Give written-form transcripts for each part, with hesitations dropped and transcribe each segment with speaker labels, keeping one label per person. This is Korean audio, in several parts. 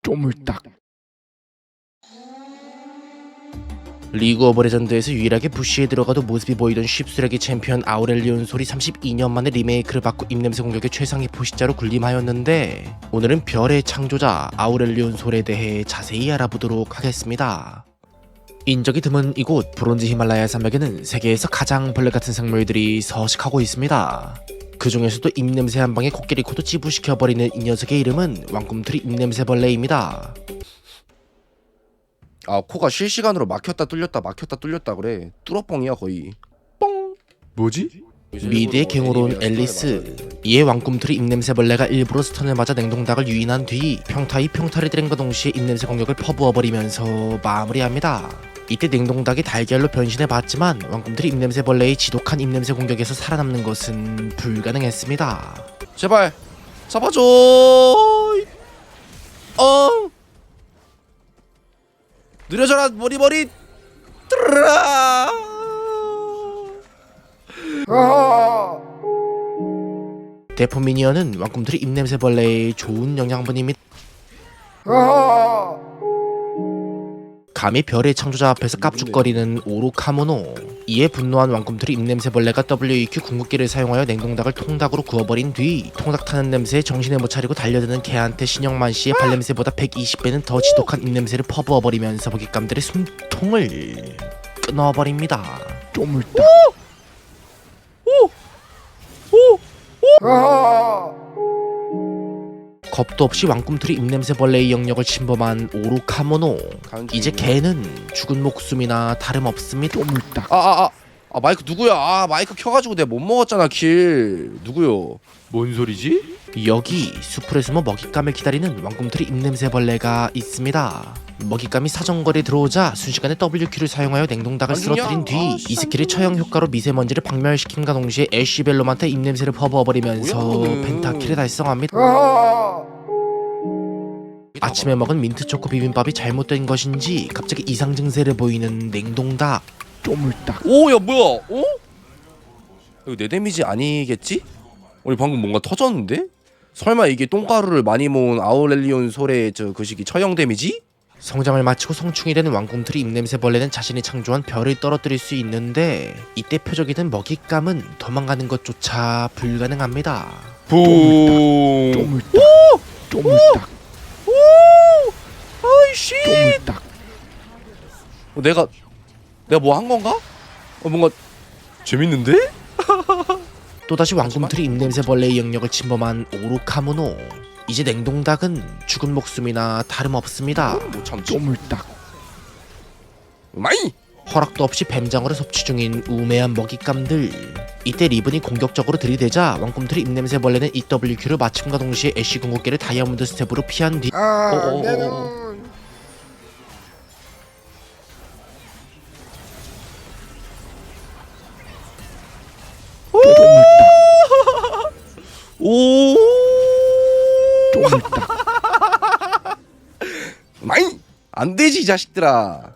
Speaker 1: 쪼물딱.
Speaker 2: 리그 오브 레전드에서 유일하게 부시에 들어가도 모습이 보이던 쉽수레기 챔피언 아우렐리온 솔이 32년 만에 리메이크를 받고 입냄새 공격의 최상위 포식자로 군림하였는데, 오늘은 별의 창조자 아우렐리온 솔에 대해 자세히 알아보도록 하겠습니다. 인적이 드문 이곳 브론즈 히말라야 산맥에는 세계에서 가장 벌레같은 생물들이 서식하고 있습니다. 그 중에서도 입냄새 한 방에 코끼리 코도 찌부시켜버리는 이 녀석의 이름은 왕꿈틀이 입냄새벌레입니다.
Speaker 3: 아, 코가 실시간으로 막혔다 뚫렸다 그래. 뚫어뻥이야 거의. 뻥.
Speaker 1: 뭐지?
Speaker 2: 미드의 갱으로 온 앨리스. 이에 왕꿈틀이 입냄새벌레가 일부러 스턴을 맞아 냉동닭을 유인한 뒤 평타이 평타를 때린과 동시에 입냄새 공격을 퍼부어버리면서 마무리합니다. 이때 냉동닭이 달걀로 변신해봤지만 왕꿈틀이 입냄새벌레의 지독한 입냄새 공격에서 살아남는 것은 불가능했습니다.
Speaker 3: 제발 잡아줘. 느려져라 머리. 뜨르라.
Speaker 2: 대포 미니언은 왕꿈틀이 입냄새벌레의 좋은 영양분입니다. 감히 별의 창조자 앞에서 깝죽거리는 오로카모노. 이에 분노한 왕꿈틀이 입냄새벌레가 WEQ 궁극기를 사용하여 냉동닭을 통닭으로 구워버린 뒤 통닭 타는 냄새에 정신을 못 차리고 달려드는 개한테 신영만씨의 발냄새보다 120배는 더 지독한 입냄새를 퍼부어버리면서 먹잇감들의 숨통을 끊어버립니다.
Speaker 1: 쪼물딱.
Speaker 2: 겁도 없이 왕꿈틀이 입냄새벌레의 영역을 침범한 오로카모노. 이제 개는 죽은 목숨이나 다름없습니다.
Speaker 1: 쪼물딱.
Speaker 3: 마이크 누구야? 마이크 켜가지고 내가 못 먹었잖아 킬. 누구요?
Speaker 1: 뭔 소리지?
Speaker 2: 여기 숲을 숨어 먹잇감을 기다리는 왕꿈틀이 입냄새벌레가 있습니다. 먹잇감이 사정거리에 들어오자 순식간에 WQ를 사용하여 냉동닭을 쓰러뜨린 뒤 이 스킬의 처형 효과로 미세먼지를 박멸시킴과 동시에 애쉬벨롬한테 입냄새를 퍼부어버리면서 펜타킬을 달성합니다. 아침에 먹은 민트초코 비빔밥이 잘못된 것인지 갑자기 이상 증세를 보이는 냉동닭.
Speaker 1: 쪼물딱.
Speaker 3: 오, 야 뭐야? 이거 내 데미지 아니겠지? 우리 방금 뭔가 터졌는데? 설마 이게 똥가루를 많이 모은 아우렐리온 솔의 그 시기 처형 데미지?
Speaker 2: 성장을 마치고 성충이 되는 왕꿈틀이 입냄새벌레는 자신이 창조한 별을 떨어뜨릴 수 있는데, 이때 표적이 된 먹잇감은 도망가는 것조차 불가능합니다.
Speaker 3: 붕.
Speaker 1: 쪼물딱. 쪼물딱.
Speaker 3: 아이씨.
Speaker 1: 쪼물딱.
Speaker 3: 내가 뭐 한 건가? 뭔가 재밌는데?
Speaker 2: 또다시 왕꿈틀이 입냄새벌레의 영역을 침범한 오로카모노. 이제 냉동닭은 죽은 목숨이나 다름없습니다.
Speaker 3: 못 참지.
Speaker 1: 쪼물딱.
Speaker 3: 마이.
Speaker 2: 허락도 없이 뱀장어를 섭취 중인 우매한 먹잇감들. 이때 리븐이 공격적으로 들이대자 왕꿈틀이 입냄새벌레는 EWQ를 마침과 동시에 애쉬 궁극기를 다이아몬드 스텝으로 피한 뒤
Speaker 3: 오.
Speaker 1: 쪼물딱.
Speaker 3: 마이. 안 되지 이 자식들아.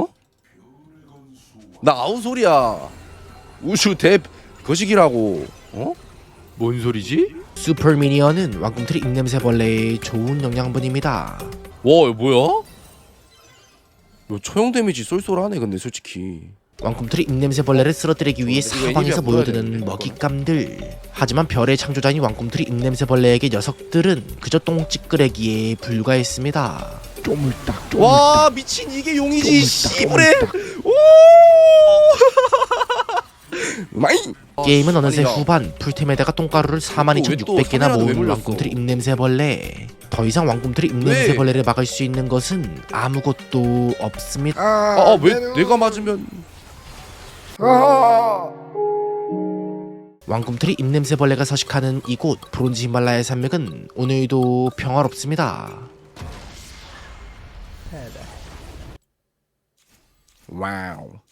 Speaker 3: 나 아우솔이야. 우슈 대 거식이라고.
Speaker 1: 뭔 소리지?
Speaker 2: 슈퍼 미니언은 왕꿈틀이 입냄새벌레의 좋은 영양분입니다.
Speaker 3: 와, 이거 뭐야? 이거 처형 데미지 쏠쏠하네 근데 솔직히.
Speaker 2: 왕꿈틀이 입냄새벌레를 쓰러뜨리기 위해 사방에서 모여드는 먹잇감들. 하지만 별의 창조자인 왕꿈틀이 입냄새벌레에게 녀석들은 그저 똥찌끄레기에 불과했습니다.
Speaker 1: 쪼물딱.
Speaker 3: 와, 미친 이게 용이지 씨부레. 오. 마이.
Speaker 2: 게임은 어느새 후반. 풀템에다가 똥가루를 42,600개나 모은 왕꿈틀이 입냄새벌레. 더 이상 왕꿈틀이 입냄새벌레를 막을 수 있는 것은 아무것도 없습니다.
Speaker 3: 왜 내가 맞으면?
Speaker 2: 왕꿈틀이 입냄새벌레가 서식하는 이곳 브론즈 히말라야 산맥은 오늘도 평화롭습니다.
Speaker 3: 와우.